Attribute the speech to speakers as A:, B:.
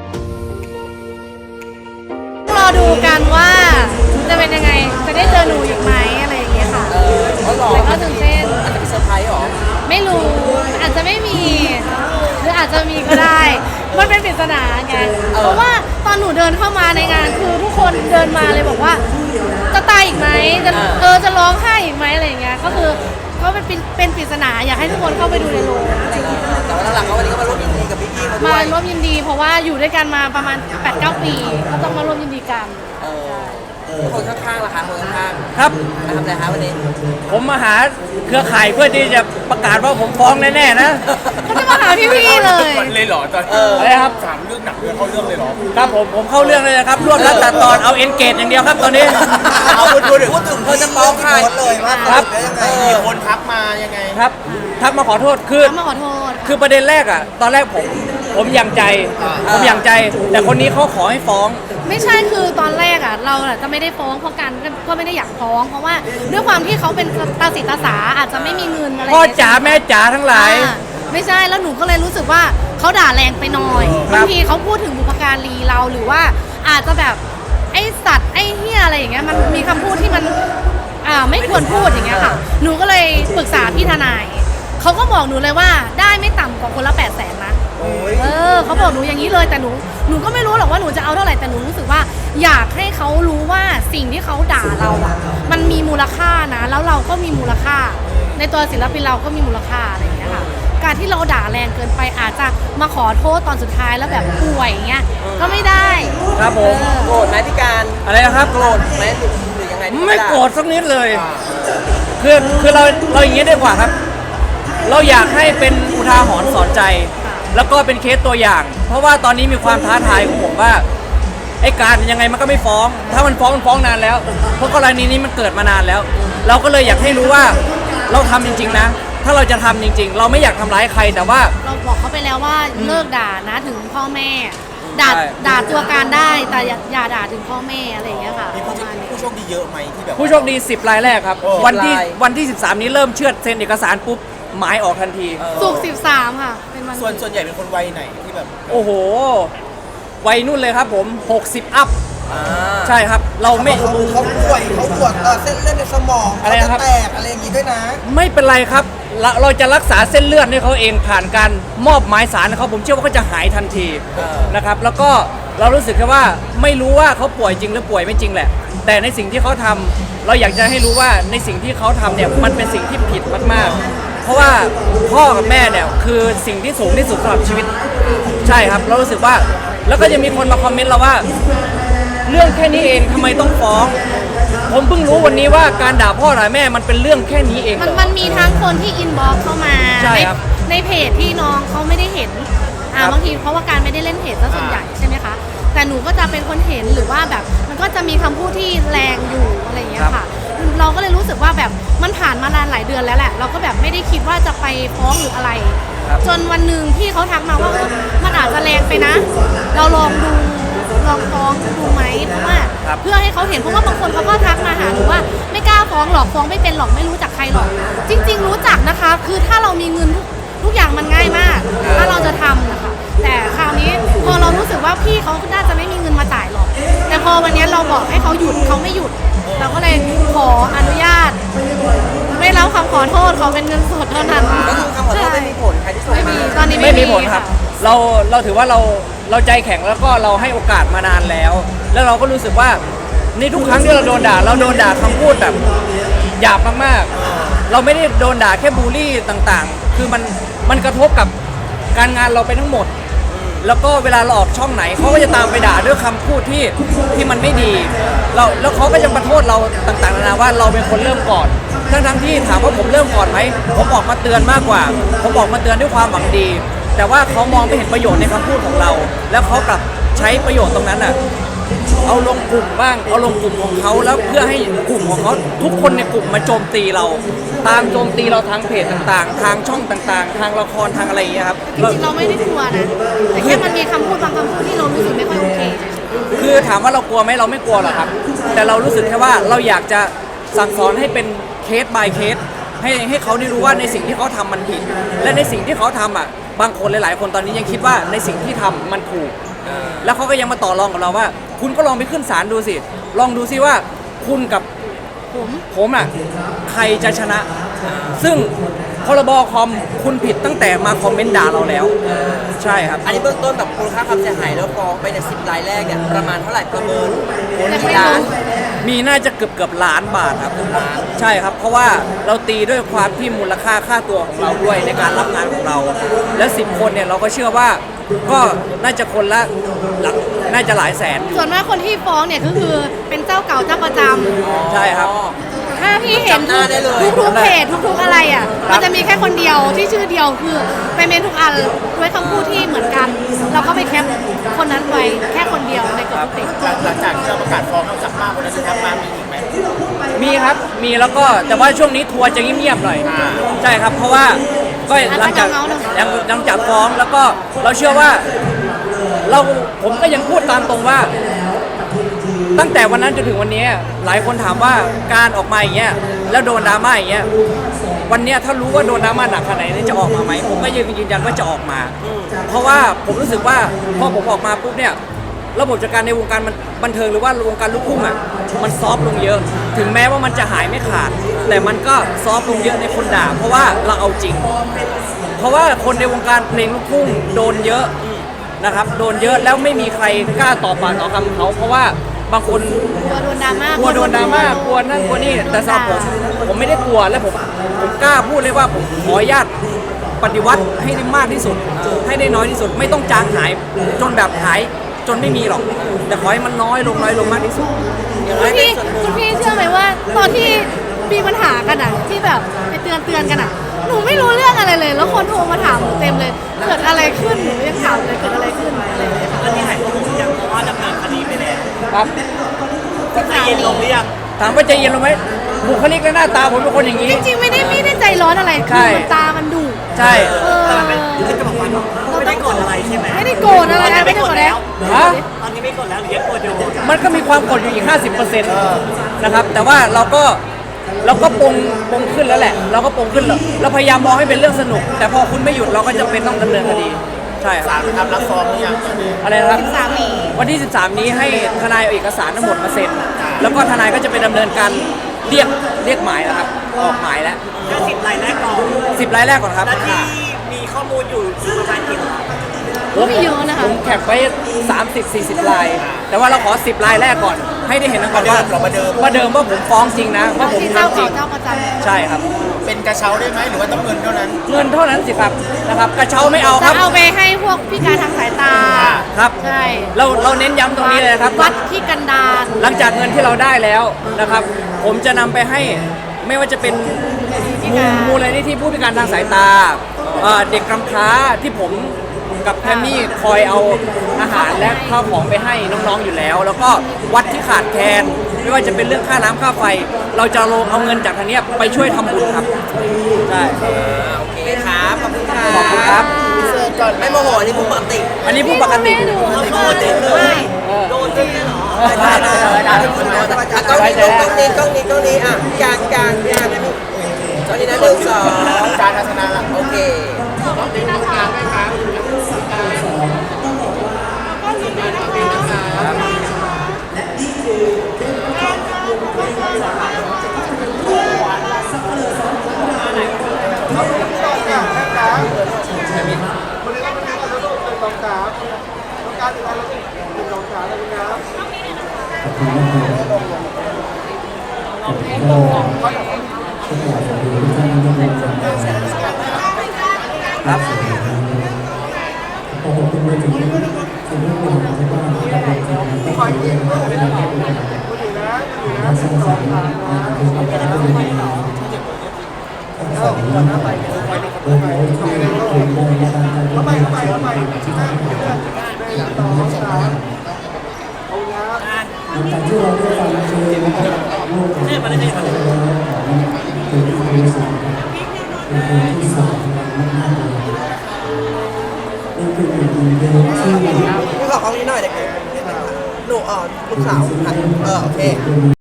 A: รอดูกันว่าจะเป็นยังไงจะได้เจอหนูอีกไหมอะไรอย่างเงี้ยค่ะแต่ก็ตื่นเต้น
B: อาจจะเป็นเซอร์ไพรส์หรอ
A: ไม่รู้อาจจะไม่มีหรืออาจจะมีก็ได้มันเป็นปริศนาไงเพราะว่าตอนหนูเดินเข้ามาในงานคือทุกคนเดินมาเลยบอกว่าจะตายอีกไหมจะร้องไห้อีกไหมอะไรอย่างเงี้ยก็คือเขาเป็นปริศนาอยากให้ทุกคนเข้าไปดูในโรง
B: แต่ว่าหลังๆวันนี้ก็มาร่วมยินดีกับพี่ๆเขาด้วย
A: มาร่วมยินดีเพราะว่าอยู่ด้วยกันมาประมาณ 8-9 ปีก็ต้องมาร่วมยินดีกัน
B: คนข้างๆล่ะคะคนข้าง
C: ๆครับ
B: มาทำอะไรคะวันนี้
C: ผมมาหาเครือข่ายเพื่อที่จะประกาศว่าผมฟ้องแน่ๆนะ
A: เขาจะมาหาพี่ๆเลย
D: เหรอตอน
C: อะไรครับ
D: 3 เรื่องหนักเรื่องเข้าเรื่องเลยเหรอ
C: ครับผมเข้าเรื่องเลยนะครับรวบรัดตัดตอนเอาเอ็นเกจอย่างเดียวครับตอนนี้
B: เอาพูดถึงเธอจะฟ้องใครเลยว่า
C: ครับ
D: มีคนทักมายังไง
C: ครับทักมาขอโทษคือประเด็นแรกอ่ะตอนแรกผมยังใจแต่คนนี้เขาขอให้ฟ้อง
A: ไม่ใช่คือตอนแรกอ่ะเราจะไม่ได้ฟ้องเพราะกันก็ไม่ได้อยากฟ้องเพราะว่าด้วยความที่เขาเป็นตาสีตาสาอาจจะไม่มีเงินอะไร
C: พ่อจ๋าแม่จ๋าทั้งหลาย
A: ไม่ใช่แล้วหนูก็เลยรู้สึกว่าเขาด่าแรงไปหน่อยบางทีเขาพูดถึงบุพการีเราหรือว่าอาจจะแบบไอสัตว์ไอเหี้ยอะไรอย่างเงี้ยมันมีคำพูดที่มันไม่ควรพูดอย่างเงี้ยค่ะหนูก็เลยปรึกษาพี่ทนายเขาก็บอกหนูเลยว่าได้ไม่ต่ำกว่าคนละ800,000นะเขาบอกหนูอย่างนี้เลยแต่หนูก็ไม่รู้หรอกว่าหนูจะเอาเท่าไหร่แต่หนูรู้สึกว่าอยากให้เขารู้ว่าสิ่งที่เขาด่าเราอ่ะมันมีมูลค่านะแล้วเราก็มีมูลค่าในตัวศิลปินเราก็มีมูลค่าอะไรอย่างเงี้ยค่ะการที่เราด่าแรงเกินไปอาจจะมาขอโทษตอนสุดท้ายแล้วแบบป่วยอย่างเงี้ยก็ไม่ได้
C: ครับผม
B: โกรธไหมพี่การ
C: อะไรนะครับ
B: โกรธไหมหรือยังไง
C: ไม่โกรธสักนิดเลยคือเราอย่างนี้ดีกว่าครับเราอยากให้เป็นอุทาหรณ์สอนใจแล้วก็เป็นเคสตัวอย่างเพราะว่าตอนนี้มีความท้าทายของผมว่าไอ้การยังไงมันก็ไม่ฟ้องถ้ามันฟ้องนานแล้วเพราะกรณีนี้มันเกิดมานานแล้วเราก็เลยอยากให้รู้ว่าเราทำจริงๆนะถ้าเราจะทำจริงๆเราไม่อยากทำร้ายใครแต่ว่า
A: เราบอกเขาไปแล้วว่าเลิกด่านะถึงพ่อแม่ด่าตัวการได้แต่อย่าด่าถึงพ่อแม่อะไรอย่างเงี้ยค่ะ
D: มีผู้โชคดีเยอะไหมที่แบบ
C: ผู้โชคดี10 รายแรกครับวันที่13นี้เริ่มเชื่อดเซ็นเอกสารปุ๊บหมายออกทันที
A: ศุกร์13ค่ะเป็นวัน
D: ส่วนใหญ่เป็นคนวัยไหนที่แบบ
C: โอ้โหวัยนุ่นเลยครับผม60 อัพใช่ครับเราไม่
B: เขาป่วยเขาปวดเส้นเลือดในสมอง
C: อะไรครับ
B: แตกอะไรอย่างงี้ด้วยนะ
C: ไม่เป็นไรครับเราจะรักษาเส้นเลือดให้เขาเองผ่านการมอบหมายสารเขาผมเชื่อว่าเขาจะหายทันทีนะครับแล้วก็เรารู้สึกแค่ว่าไม่รู้ว่าเขาป่วยจริงหรือป่วยไม่จริงแหละแต่ในสิ่งที่เขาทำเราอยากจะให้รู้ว่าในสิ่งที่เขาทำเนี่ยมันเป็นสิ่งที่ผิดมากๆเพราะว่าพ่อกับแม่เนี่ยคือสิ่งที่สูงที่สุดสำหรับชีวิตใช่ครับเรารู้สึกว่าแล้วก็จะมีคนมาคอมเมนต์เราว่าเรื่องแค่นี้เองทำไมต้องฟ้องผมเพิ่งรู้วันนี้ว่าการด่าพ่อด่าแม่มันเป็นเรื่องแค่นี้เอง
A: มันมีทั้งคนที่อินบ็อกซ์เข้ามาในเพจที่น้องเขาไม่ได้เห็นบางทีเพราะว่าการไม่ได้เล่นเพจซะส่วนใหญ่ใช่ไหมคะแต่หนูก็จะเป็นคนเห็นหรือว่าแบบมันก็จะมีคำพูดที่แรงอยู่อะไรอย่างเงี้ยค่ะเราก็เลยรู้สึกว่าแบบมันผ่านมานานหลายเดือนแล้วแหละเราก็แบบไม่ได้คิดว่าจะไปฟ้องหรืออะไรจนวันหนึ่งพี่เขาทักมาว่ามันอาจจะแรงไปนะเราลองฟ้องดูไหมเพราะว่าเพื่อให้เขาเห็นเพราะว่าบางคนเขาก็ทักมาหาหนูว่าไม่กล้าฟ้องหรอกฟ้องไม่เป็นหรอกไม่รู้จักใครหรอกจริงๆรู้จักนะคะคือถ้าเรามีเงินทุกอย่างมันง่ายมากถ้าเราจะทำนะคะแต่คราวนี้พอเรารู้สึกว่าพี่เขาน่าจะไม่มีเงินมาจ่ายหรอกแต่พอวันนี้เราบอกให้เขาหยุดเขาไม่หยุดเราก็เลยขออนุญาตไม่รับคำขอโทษเขาเป็นเงินสดเท่านั้น
B: ก็คือคำขอโทษไม่มีผลใครที่ส่ง
A: ไม่มีตอนนี้
C: ไม่มีผลครับเราถือว่าเราใจแข็งแล้วก็เราให้โอกาสมานานแล้วเราก็รู้สึกว่าในทุกครั้งที่เราโดนด่าคำพูดแบบหยาบมากๆเราไม่ได้โดนด่าแค่บูลลี่ต่างๆคือมันกระทบกับการงานเราไปทั้งหมดแล้วก็เวลาเราออกช่องไหนเขาก็จะตามไปด่าด้วยคำพูดที่มันไม่ดีแล้วเขาก็จะมาโทษเราต่างๆนานาว่าเราเป็นคนเริ่มก่อนทั้งที่ถามว่าผมเริ่มก่อนไหมผมออกมาเตือนมากกว่าผมออกมาเตือนด้วยความหวังดีแต่ว่าเขามองไม่เห็นประโยชน์ในคำพูดของเราแล้วเขากลับใช้ประโยชน์ตรงนั้นอ่ะเอาลงกลุ่มบ้างเอาลงกลุ่มของเขาแล้วเพื่อให้กลุ่มของเขาทุกคนในกลุ่มมาโจมตีเราตามโจมตีเราทางเพจต่างๆทางช่องต่างๆทางละครทางอะไรอย่างเงี้ยครับ
A: จริงๆเราไม่ได้กลัวนะแต่แค่มันมีคำพูดบางคำพูดที่เรารู้สึกไม่ค่อยโอเค
C: คือถามว่าเรากลัวไหมเราไม่กลัวหรอกครับแต่เรารู้สึกแค่ว่าเราอยากจะสั่งสอนให้เป็นเคส by เคสให้เขาได้รู้ว่าในสิ่งที่เขาทำมันผิดและในสิ่งที่เขาทำอ่ะบางคนหลายๆคนตอนนี้ยังคิดว่าในสิ่งที่ทำมันถูกแล้วเขาก็ยังมาต่อรองกับเราว่า คุณก็ลองไปขึ้นศาลดูสิลองดูสิว่าคุณกับผมอ่ะใครจะชนะ ซึ่งพรบคอมคุณผิดตั้งแต่มาคอมเมนต์ด่าเราแล้ว ใช่ครับ
B: อันนี้เบื้องต้นแบบมูลค่าความเสียหายแล้วฟ้องไปใน10 รายแรกเนี่ยประมาณเท่าไหร่ประเมิน
A: ยัง
B: กี่
A: ไม่
B: ล้าน
A: รู้
C: มีน่าจะเกือบล้านบาทครับใช่ครับ เพราะว่าเราตีด้วยความที่มูลค่าค่าตัวของเราด้วยในการรับงานของเรา และ10 คนเนี่ยเราก็เชื่อว่าก็น่าจะคนละหลักน่าจะหลายแสนอยู่
A: ส่วนมากคนที่ฟ้องเนี่ยก็คือเป็นเจ้าเก่าเจ้าประจำ
C: ใช่ครับ
A: ถ้าพี่เห็น
B: จำหน้าได้เลย
A: ทุกๆเพจทุกๆอะไรอ่ะมันจะมีแค่คนเดียวที่ชื่อเดียวคือไปเมนทุกอันด้วยคำพูดที่เหมือนกัน เราก็ไปแคปคนนั้นไว้แค่คนเดียวในกลุ่มเพจ
D: หลังจากที่เราประกาศฟ้องนอกจากมากคนนั้นจะทำมามีอีกไหม
C: มีครับมีแล้วก็แต่ว่าช่วงนี้ทัวร์จะเงียบๆหน่อยใช่ครับ เพราะว่าก็หลังจากฟ้องแล้วก็เราเชื่อว่าผมก็ยังพูดตามตรงว่า ตั้งแต่วันนั้นจนถึงวันนี้หลายคนถามว่าการออกมาอย่างเงี้ยแล้วโดนดราม่าอย่างเงี้ยวันเนี้ยถ้ารู้ว่าโดนดราม่าหนักขนาดไหนจะออกมาไหมผมก็ยืนยันว่าจะออกมา เพราะว่าผมรู้สึกว่าพอผมออกมาปุ๊บเนี่ยระบบจัดการในวงการบันเทิงหรือว่าวงการลูกทุ่งอ่ะมันซอฟต์ลงเยอะ ถึงแม้ว่ามันจะหายไม่ขาด แต่มันก็ซอฟต์ลงเยอะในคนด่าเพราะว่าเราเอาจริง เพราะว่าคนในวงการเพลงลูกทุ่งโดนเยอะนะครับโดนเยอะแล้วไม่มีใครกล้าต่อปากต่อคำเขาเพราะว่าบางคน
A: กลัวโดนดราม่าก
C: ลัวโดนดราม่ากลัวนั่นกลัวนี่แต่สำหรับผมไม่ได้กลัวและผมกล้าพูดเลยว่าผมขออนุญาตปฏิวัติให้ได้มากที่สุด ให้ได้น้อยที่สุด ไม่ต้องจางหายจนแบบหายจนไม่มีหรอกแต่ขอให้มันน้อยลงมากที่สุด
A: คุณพี่เชื่อไหมว่าตอนที่มีปัญหากันอ่ะที่แบบไปเตือนกันอ่ะหนูไม่รู้เรื่องอะไรเลย แล้วคนโทรมาถามหนูเต็มเลยเกิดอะไรขึ้นหนูยังถามเลยเกิดอะไรขึ้นอะไรอย่างเงี้ยค่ะ
E: ตอนนี้หายตัวยังเพราะว่าดำเนินคดีไปแล้ว
C: ครับ
E: ใจเย็นลงหรือยัง
C: ถามว่าใจเย็นลงไหมบุคลิกและหน้าตาผมเป็นคนอย่างนี้
A: จริงๆไม่ได้ใจร้อนอะไร
C: ใช่
A: คือมันตามันดุ
C: ใช่
E: แต่มันเป็นคือจะบอกว่าไม่ได้โกรธอะไรใช่ไหม
A: ไม่ได้โกรธอะไรนะไม่ได้โกรธแล้ว
C: ฮะ
E: ตอนนี้ไม่โกรธแล้วหรือยังโกรธอยู่
C: มันก็มีความกดอยู่อีก 50%นะครับ แต่ว่าเราก็ปงขึ้นแล้วแหละ เราก็ปงขึ้นแล้วเราพยายามมองให้เป็นเรื่องสนุก แต่พอคุณไม่หยุดเราก็จะเป็นต้องดำเนินคดี ใช่ค
D: ศา
C: รับ
D: ลทำรับฟ้องหรือยังตอนนี้
C: อะไรนะครับ
A: สามี
C: วันที่ 13 นี้ให้ทนายเอาเอกสารทั้งหมดมาเซ็น แล้วก็ทนายก็จะไปดำเนินการเรียกหมายแล้วครับ ออกหมายแล้ว
E: แค่10 รายแรกก่อน
C: 10 รายแรกก่อนครับ
E: แล้วที่มีข้อมูลอยู่ประมาณกี่ราย
A: ไม่เยอะนะคะ
C: ผมแคปไว้ 30-40 ราย แต่ว่าเราขอ 10 รายแรกก่อน ให้ได้เห็นกันก่อนว่าว่าเดิมว่าผมฟ้องจริงนะ ว่าผม
A: ที่เจ้า
C: ทำจริ
A: เก่าง เจ้าประจำ
C: ใช่ครับ
D: เป็นกระเช้าได้ไหมหรือว่าต้องเงินเท่านั้น
C: เงินเท่านั้นสิครับนะครับ กระเช้าไม่เอาค
A: จะ
C: รับ
A: เอาไปให้พวกพิการทางสายตา
C: ครับ
A: ใช่
C: เราเน้นย้ำตรงนี้เลยนะครับ
A: วัดที่กันดาร
C: หลังจากเงินที่เราได้แล้วนะครับ ผมจะนำไปให้ไม่ว่าจะเป็นมูลนิธิผู้พิการทางสายตาเด็กกำพร้าที่ผมกับแพมมี่คอยเอาอาหารและข้าวของไปให้น้องๆอยู่แล้ว แล้วก็วัดที่ขาดแคลนไม่ว่าจะเป็นเรื่องค่าน้ำค่าไฟ เราจะลงเอาเงินจากทางเนี้ยไปช่วยทำบุญครับใช่
B: โอเคครับขอบคุณครับ
C: ขอบคุณครับ
B: ไม่โมโหอันนี้ผมปกติ
C: อันนี้ผู้ปกติ
A: ไม่ดู
E: โดนเด็ดเลยโดนเด็ดเลยเหรอ
B: ได้กล้องนี้กล้องนี้อ่ะกลางกลางนะพี่ตอนนี้นะ1 2
D: การทัศนะละ
B: โอเค
C: ครับ
E: เนี่ยมาได้เลย
B: พี่ขอกล้องนี้หน่อยเด็กหนูลูกสาวโอเค